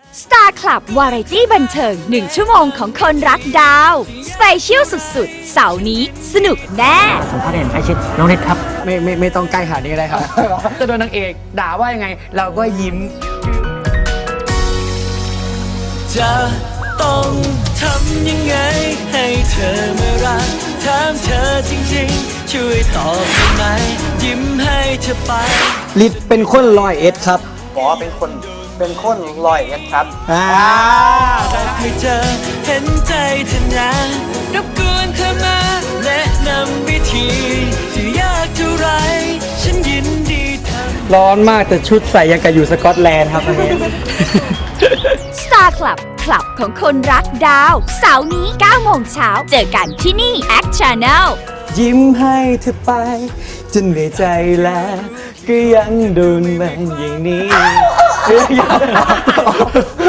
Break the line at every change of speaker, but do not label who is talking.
Star Club วาไรตี้บันเทิง1 ชั่วโมงของคนรักดาวสเปเชียลสุดๆ เสาร์นี้สนุกแน่
สัมภาษณ์เห็นไอชิดน้องเน็ตครับ
ไม่ต้องใกล้ขนาดนี้ก็ได้ครับ
จะโดนนางเอกด่าว่ายังไง เราก็ยิ้ม
จะต้องทำยังไงให้เธอมารักถามเธอจริงๆ ช่วยตอบได้ไหมยิ้มให้เธอไป
ลิศเป็นคน101ครับ
หมอเป็นคน101ครับ
ให้เธอเห็นใจเธอนะรบกวนเธอมาแนะนำวิธีจะยากเท่าไรฉันยินดีทำ
ร้อนมากแต่ชุดใส่ยังกับอยู่สกอตแลนด์ครับอันนี้
Star Club คลับของคนรักดาวเสาร์นี้9 โมงเช้าเจอกันที่นี่ Act Channel
ยิ้มให้เธอไปจนเหนื่อยใจแล้วก็ยังโดนมันอย่างนี้